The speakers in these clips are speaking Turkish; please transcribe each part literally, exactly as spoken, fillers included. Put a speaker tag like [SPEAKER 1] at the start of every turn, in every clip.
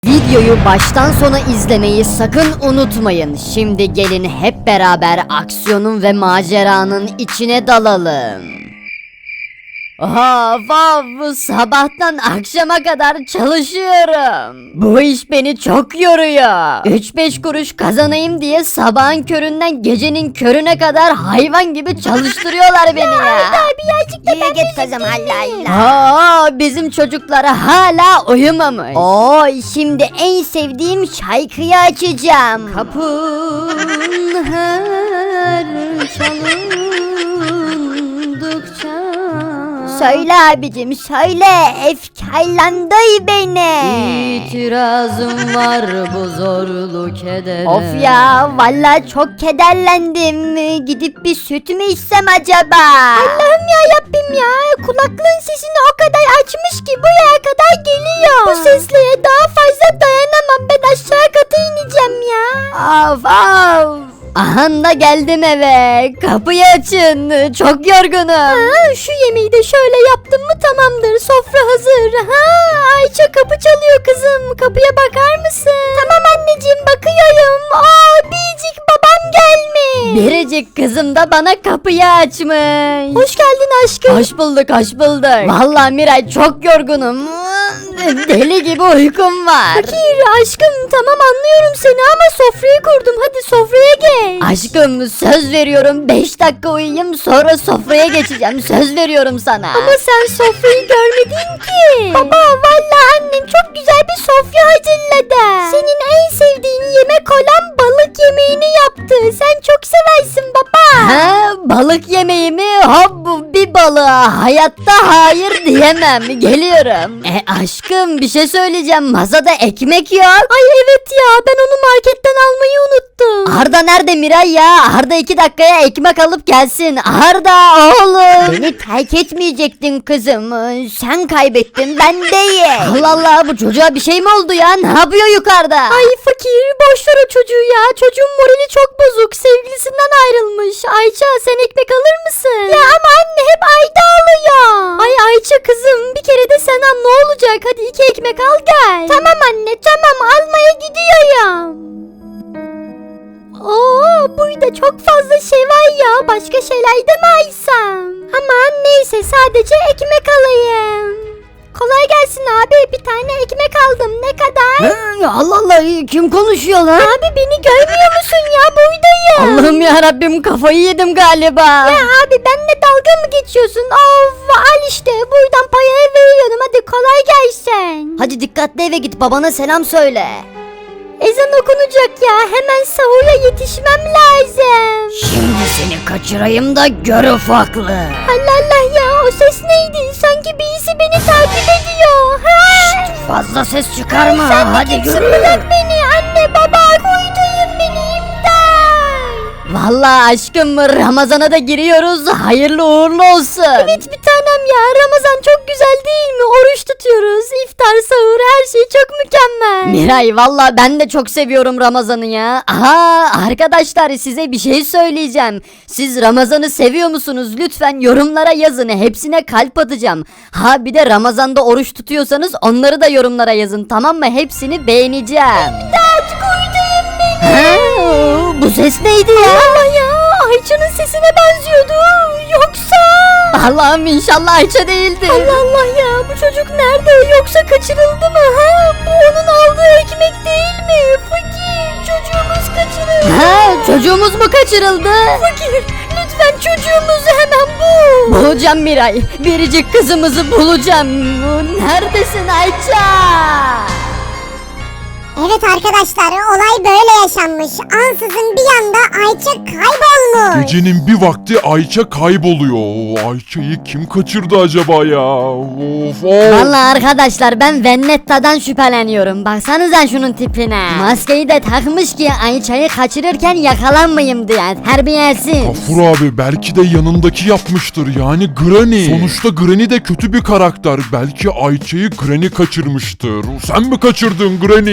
[SPEAKER 1] Videoyu baştan sona izlemeyi sakın unutmayın. Şimdi gelin hep beraber aksiyonun ve maceranın içine dalalım. Of of, sabahtan akşama kadar çalışıyorum. Bu iş beni çok yoruyor. üç beş kuruş kazanayım diye sabahın köründen gecenin körüne kadar hayvan gibi çalıştırıyorlar beni ya.
[SPEAKER 2] Abi birazcık da ben git kızım Allah Allah.
[SPEAKER 1] Aa, bizim çocuklara hala uyumamış. Oo, şimdi en sevdiğim şarkıyı açacağım. Kapın her çalındıkça. Söyle abicim söyle, efkarlandı beni. İtirazım var bu zorlu kedere. Of ya, vallahi çok kederlendim. Gidip bir süt mü içsem acaba?
[SPEAKER 2] Allah'ım ya Rabbim ya, kulaklığın sesini o kadar açmış ki buraya kadar geliyor. Bu seslere daha fazla dayanamam, ben aşağı kata ineceğim ya.
[SPEAKER 1] Of of. Aha da geldim eve. Kapıyı açın. Çok yorgunum.
[SPEAKER 2] Ha, şu yemeği de şöyle yaptım mı tamamdır, sofra hazır. Ha, Ayça kapı çalıyor kızım, kapıya bakar mısın? Tamam anneciğim, bakıyorum. Aa, biricik babam gelmiş.
[SPEAKER 1] Biricik kızım da bana kapıyı açmış.
[SPEAKER 2] Hoş geldin aşkım.
[SPEAKER 1] Hoş bulduk, hoş bulduk. Vallahi Miray çok yorgunum. Deli gibi uykum var.
[SPEAKER 2] Fakir aşkım, tamam anlıyorum seni ama sofrayı kurdum, hadi sofraya geç.
[SPEAKER 1] Aşkım söz veriyorum, beş dakika uyuyayım sonra sofraya geçeceğim. Söz veriyorum sana.
[SPEAKER 2] Ama sen sofrayı görmedin ki. Baba vallahi annem çok güzel bir sofra hazırladı. Senin en sevdiğin yemek olan balık yemeğini yaptı. Sen çok seversin baba.
[SPEAKER 1] Ha, balık yemeği mi? Hop, bir balığa hayatta hayır diyemem. Geliyorum. E aşkım, bir şey söyleyeceğim. Masada ekmek yok.
[SPEAKER 2] Ay evet ya, ben onu marketten almayı unuttum.
[SPEAKER 1] Arda nerede Miray ya? Arda iki dakikaya ekmek alıp gelsin. Arda oğlum. Beni terk etmeyecektin kızım. Sen kaybettin, ben değil. Allah Allah, bu çocuğa bir şey mi oldu ya? Ne yapıyor yukarıda?
[SPEAKER 2] Ay fakir, boş ver o çocuğu ya. Çocuğun morali çok bozuk. Sevgilisinden ayrılmış. Ayça sen ekmek alır mısın? Ya ama anne hep Ayda alıyor. Ay Ayça kızım, bir kere de sen al, ne olacak? Hadi iki ekmek al gel. Tamam anne tamam, almaya gidiyorum. Oo, burada çok fazla şey var ya. Başka şeyler de mi alsam? Aman neyse, sadece ekmek alayım. Kolay gelsin abi, bir tane ekmek aldım, ne kadar?
[SPEAKER 1] Hı, Allah Allah, kim konuşuyor lan?
[SPEAKER 2] Abi beni görmüyor musun ya, buradayım.
[SPEAKER 1] Allah'ım ya Rabbim, kafayı yedim galiba.
[SPEAKER 2] Ya abi benimle dalga mı geçiyorsun? Of, al işte buradan payaya veriyorum, hadi kolay gelsin.
[SPEAKER 1] Hadi dikkatli eve git, babana selam söyle.
[SPEAKER 2] Ezan okunacak ya, hemen sahura yetişmem lazım.
[SPEAKER 1] Şimdi seni kaçırayım da gör ufaklı.
[SPEAKER 2] Allah Allah ya, o ses neydi? Sanki birisi beni takip ediyor. Ha?
[SPEAKER 1] Fazla ses çıkarma,
[SPEAKER 2] Sen de
[SPEAKER 1] hadi
[SPEAKER 2] kimsin?
[SPEAKER 1] görürüm.
[SPEAKER 2] Bırak beni, anne baba koyduyum beni, imdat.
[SPEAKER 1] Vallahi aşkım, Ramazan'a da giriyoruz, hayırlı uğurlu olsun.
[SPEAKER 2] Evet bir tanem ya, Ramazan çok güzel değil mi? Oruç tutuyoruz, iftar, sahur, her şey çok mükemmel.
[SPEAKER 1] Miray, vallahi ben de çok seviyorum Ramazan'ı ya. Aha, arkadaşlar, size bir şey söyleyeceğim. Siz Ramazan'ı seviyor musunuz? Lütfen yorumlara yazın, hepsine kalp atacağım. Ha, bir de Ramazan'da oruç tutuyorsanız onları da yorumlara yazın, tamam mı? Hepsini beğeneceğim.
[SPEAKER 2] İmdat koyduyum beni.
[SPEAKER 1] Ha, bu ses neydi ya?
[SPEAKER 2] Allah ya, Ayça'nın sesine benziyordu. Yoksa...
[SPEAKER 1] Allah'ım, inşallah Ayça değildir.
[SPEAKER 2] Allah Allah ya, bu çocuk nerede? Yoksa kaçırıldı mı? Ha? Bu onun aldığı ekmek değil mi? Fakir, çocuğumuz kaçırıldı.
[SPEAKER 1] Ha, çocuğumuz mu kaçırıldı?
[SPEAKER 2] Fakir, lütfen çocuğumuzu hemen bul.
[SPEAKER 1] Bulacağım Miray. Biricik kızımızı bulacağım. Neredesin Ayça?
[SPEAKER 3] Evet arkadaşlar, olay böyle yaşanmış. Ansızın bir anda Ayça kaybolmuş.
[SPEAKER 4] Gecenin bir vakti Ayça kayboluyor. Ayça'yı kim kaçırdı acaba ya? Of of.
[SPEAKER 1] Vallahi arkadaşlar, ben Vennetta'dan şüpheleniyorum. Baksanıza şunun tipine. Maskeyi de takmış ki Ayça'yı kaçırırken yakalanmayayım diye. Terbiyesiz.
[SPEAKER 4] Gafur abi belki de yanındaki yapmıştır, yani Granny. Sonuçta Granny de kötü bir karakter. Belki Ayça'yı Granny kaçırmıştır. Sen mi kaçırdın Granny?
[SPEAKER 2] Yemin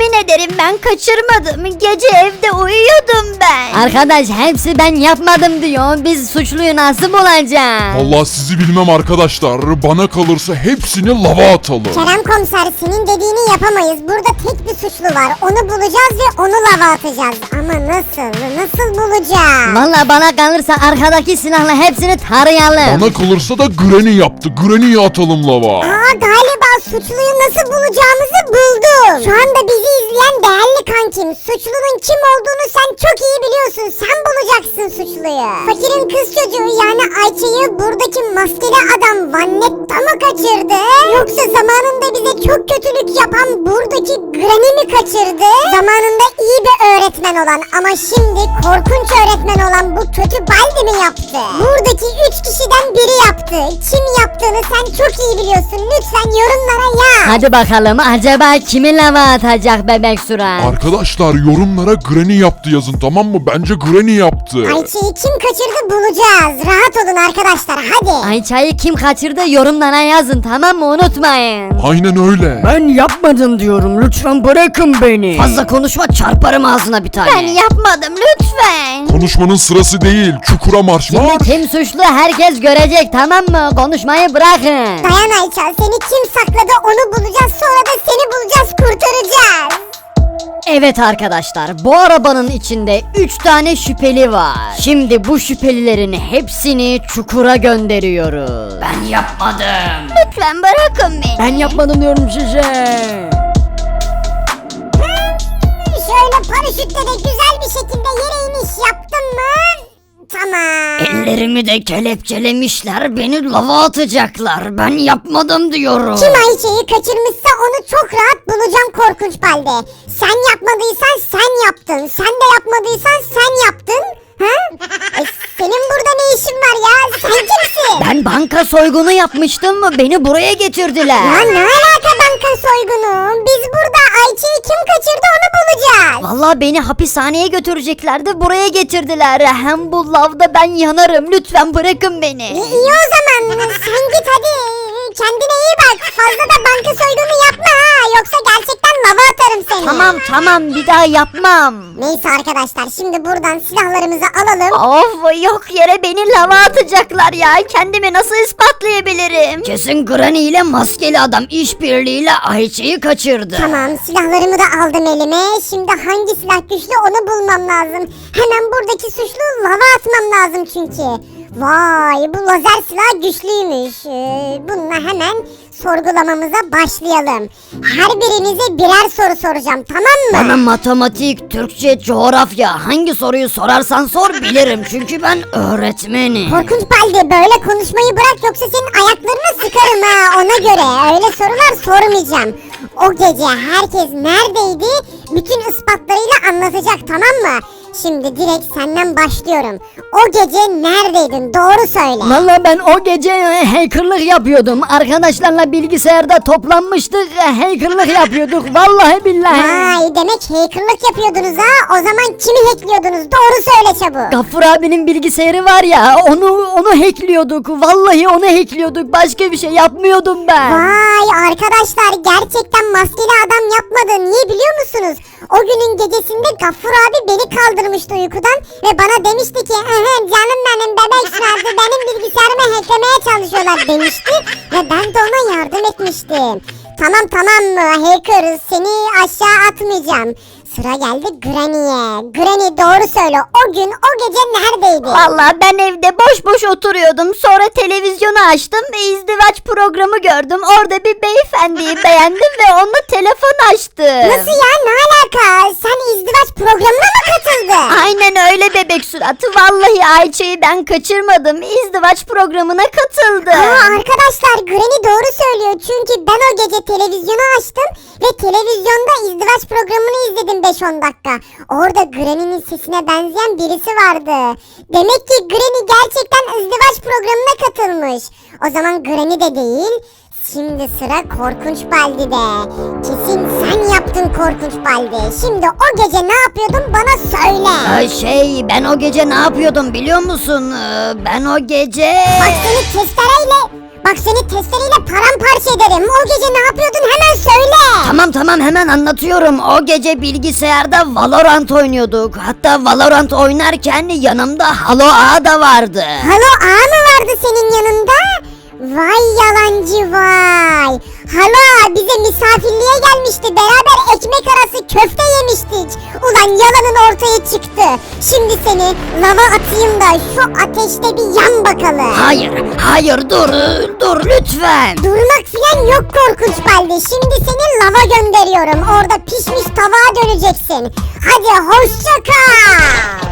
[SPEAKER 2] Yemin ederim ben kaçırmadım. Gece evde uyuyordum ben.
[SPEAKER 1] Arkadaş hepsi ben yapmadım diyor. Biz suçluyu nasıl bulacağız?
[SPEAKER 4] Vallahi sizi bilmem arkadaşlar. Bana kalırsa hepsini lava atalım.
[SPEAKER 3] Kerem komiser, senin dediğini yapamayız. Burada tek bir suçlu var. Onu bulacağız ve onu lava atacağız. Ama nasıl? Nasıl bulacağız?
[SPEAKER 1] Valla bana kalırsa arkadaki silahla hepsini tarayalım.
[SPEAKER 4] Bana kalırsa da Granny yaptı. Granny'yi atalım lava.
[SPEAKER 3] Aa, galiba suçluyu nasıl bulacağımızı buldum. Şu anda bizi izleyen değerli kankim, suçlunun kim olduğunu sen çok iyi biliyorsun. Sen bulacaksın suçluyu. Fakirin kız çocuğu yani Ayça'yı buradaki maskeli adam Vannetta mı kaçırdı? Yoksa zamanında bize çok kötülük yapan buradaki Granny mi kaçırdı? Zamanında iyi bir öğretmen olan ama şimdi korkunç öğretmen olan bu kötü Baldi mi yaptı? Buradaki üç kişiden biri yaptı. Kim yaptığını sen çok iyi biliyorsun. Lütfen yorumlara yaz.
[SPEAKER 1] Hadi bakalım acaba kimi lava atacak bebek surat?
[SPEAKER 4] Arkadaşlar yorumlara Granny yaptı yazın, tamam mı? Bence Granny yaptı.
[SPEAKER 3] Ayça'yı kim kaçırdı bulacağız. Rahat olun arkadaşlar, hadi.
[SPEAKER 1] Ayça'yı kim kaçırdı yorumlara yazın, tamam mı? Unutmayın.
[SPEAKER 4] Aynen öyle.
[SPEAKER 5] Ben yapmadım diyorum. Lütfen bırakın beni.
[SPEAKER 1] Fazla konuşma, çarparım ağzına bir tane.
[SPEAKER 2] Ben yapmadım lütfen.
[SPEAKER 4] Konuşmanın sırası değil. Çukura marş
[SPEAKER 1] Kimi
[SPEAKER 4] marş.
[SPEAKER 1] kim suçlu herkes görecek, tamam mı? Konuşmayı bırakın.
[SPEAKER 3] Dayan Ayça, seni kim sakladı onu bulacağız, sonra da seni bulacağız, kurtaracağız.
[SPEAKER 1] Evet arkadaşlar, bu arabanın içinde üç tane şüpheli var. Şimdi bu şüphelilerin hepsini çukura gönderiyoruz.
[SPEAKER 5] Ben yapmadım.
[SPEAKER 2] Lütfen bırakın beni.
[SPEAKER 5] Ben yapmadım diyorum size.
[SPEAKER 3] Şöyle paraşütle de güzel bir şekilde yere iniş yaptın mı? Tamam.
[SPEAKER 1] Ellerimi de kelepçelemişler, beni lava atacaklar. Ben yapmadım diyorum.
[SPEAKER 3] Kim Ayça'yı kaçırmışsa onu çok rahat bulacağım Korkunç Balde. Sen yapmadıysan sen yaptın. Sen de yapmadıysan sen yaptın. Ha? E, senin burada ne işin var ya? Sen kimsin?
[SPEAKER 1] Ben banka soygunu yapmıştım mı? Beni buraya getirdiler.
[SPEAKER 3] Ya ne alaka banka soygunu? Biz burada Ayça'yı kim kaçırdı onu bulacağız.
[SPEAKER 1] Vallahi beni hapishaneye götüreceklerdi, buraya getirdiler. Hem bu lavda ben yanarım. Lütfen bırakın beni.
[SPEAKER 3] İyi, iyi o zaman sen git hadi. Kendine iyi bak. Fazla da banka soygunu yapma ha. Yoksa gerçekten lava atarım seni.
[SPEAKER 1] Tamam tamam, bir daha yapmam.
[SPEAKER 3] Neyse arkadaşlar, şimdi buradan silahlarımızı alalım.
[SPEAKER 2] Of, yok yere beni lava atacaklar ya. Kendimi nasıl ispatlayabilirim?
[SPEAKER 1] Kesin Granny ile maskeli adam işbirliğiyle Ayça'yı kaçırdı.
[SPEAKER 3] Tamam, silahlarımı da aldım elime. Şimdi hangi silah güçlü onu bulmam lazım. Hemen buradaki suçlu lava atmam lazım çünkü. Vay, bu lazer silah güçlüymüş. Ee, bununla hemen sorgulamamıza başlayalım. Her birinize birer soru soracağım, tamam mı?
[SPEAKER 1] Bana matematik, Türkçe, coğrafya hangi soruyu sorarsan sor bilirim çünkü ben öğretmenim.
[SPEAKER 3] Korkunç Baldi, böyle konuşmayı bırak yoksa senin ayaklarını sıkarım ha, ona göre. Öyle sorular sormayacağım. O gece herkes neredeydi bütün ispatlarıyla anlatacak, tamam mı? Şimdi direkt senden başlıyorum. O gece neredeydin? Doğru söyle.
[SPEAKER 1] Valla ben o gece e, hackerlık yapıyordum. Arkadaşlarla bilgisayarda toplanmıştık, e, hackerlık yapıyorduk. Vallahi billahi.
[SPEAKER 3] Vay, demek hackerlık yapıyordunuz ha. O zaman kimi hackliyordunuz? Doğru söyle çabuk.
[SPEAKER 1] Gaffur abinin bilgisayarı var ya, onu onu hackliyorduk. Vallahi onu hackliyorduk. Başka bir şey yapmıyordum ben.
[SPEAKER 3] Vay arkadaşlar, gerçekten maskeli adam yapmadı. Niye biliyor musunuz? O günün gecesinde Gaffur abi beni kaldırmıştı uykudan ve bana demişti ki "Aha, canım benim bebek şurası benim bilgisayarımı hacklemeye çalışıyorlar" demişti ve ben de ona yardım etmiştim. Tamam tamam mı hacker, seni aşağı atmayacağım. Sıra geldi Granny'e. Granny doğru söyle, o gün o gece neredeydin?
[SPEAKER 2] Vallahi ben evde boş boş oturuyordum. Sonra televizyonu açtım ve izdivaç programı gördüm. Orada bir beyefendiyi beğendim ve onunla telefon açtım.
[SPEAKER 3] Nasıl ya, ne alaka? Sen izdivaç programına mı katıldın?
[SPEAKER 2] Aynen öyle bebek suratı. Vallahi Ayça'yı ben kaçırmadım. İzdivaç programına katıldım.
[SPEAKER 3] Aa, arkadaşlar Granny doğru söylüyor çünkü ben o gece televizyonu açtım ve televizyonda izdivaç programını izledim beş on dakika. Orada Granny'nin sesine benzeyen birisi vardı. Demek ki Granny gerçekten izdivaç programına katılmış. O zaman Granny de değil. Şimdi sıra Korkunç Baldi'de. Kesin sen yaptın Korkunç Baldi. Şimdi o gece ne yapıyordun bana söyle.
[SPEAKER 1] Ee, şey ben o gece ne yapıyordum biliyor musun? Ee, ben o gece...
[SPEAKER 3] Bak seni testereyle... Bak seni testereyle paramparça ederim. O gece ne yapıyordun hemen söyle.
[SPEAKER 1] Tamam tamam hemen anlatıyorum. O gece bilgisayarda Valorant oynuyorduk. Hatta Valorant oynarken yanımda Halo Ağa da vardı.
[SPEAKER 3] Halo ağa mı vardı senin yanında? Vay yalancı vay. Hala bize misafirliğe gelmişti. Beraber ekmek arası köfte yemiştik. Ulan yalanın ortaya çıktı. Şimdi seni lava atayım da şu ateşte bir yan bakalım.
[SPEAKER 1] Hayır hayır dur dur lütfen.
[SPEAKER 3] Durmak falan yok korkunç balde. Şimdi seni lava gönderiyorum. Orada pişmiş tabağa döneceksin. Hadi hoşça kal.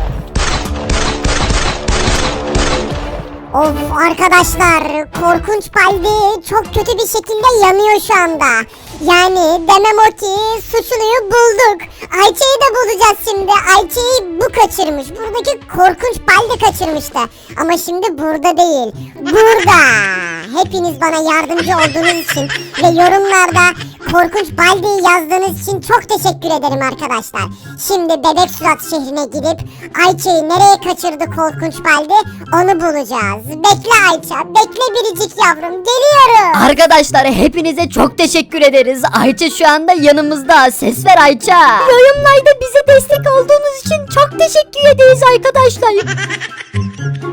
[SPEAKER 3] Of arkadaşlar, korkunç baldi çok kötü bir şekilde yanıyor şu anda. Yani demem o ki suçluyu bulduk. Ayça'yı da bulacağız şimdi. Ayça'yı bu kaçırmış. Buradaki korkunç baldi kaçırmıştı. Ama şimdi burada değil. Burada. Hepiniz bana yardımcı olduğunuz için ve yorumlarda korkunç baldiyi yazdığınız için çok teşekkür ederim arkadaşlar. Şimdi Bebek Surat şehrine gidip Ayça'yı nereye kaçırdı korkunç baldi onu bulacağız. Bekle Ayça, bekle biricik yavrum, geliyorum.
[SPEAKER 1] Arkadaşlar hepinize çok teşekkür ederiz. Ayça şu anda yanımızda. Ses ver Ayça.
[SPEAKER 2] Yorumlarda bize destek olduğunuz için çok teşekkür ederiz arkadaşlar.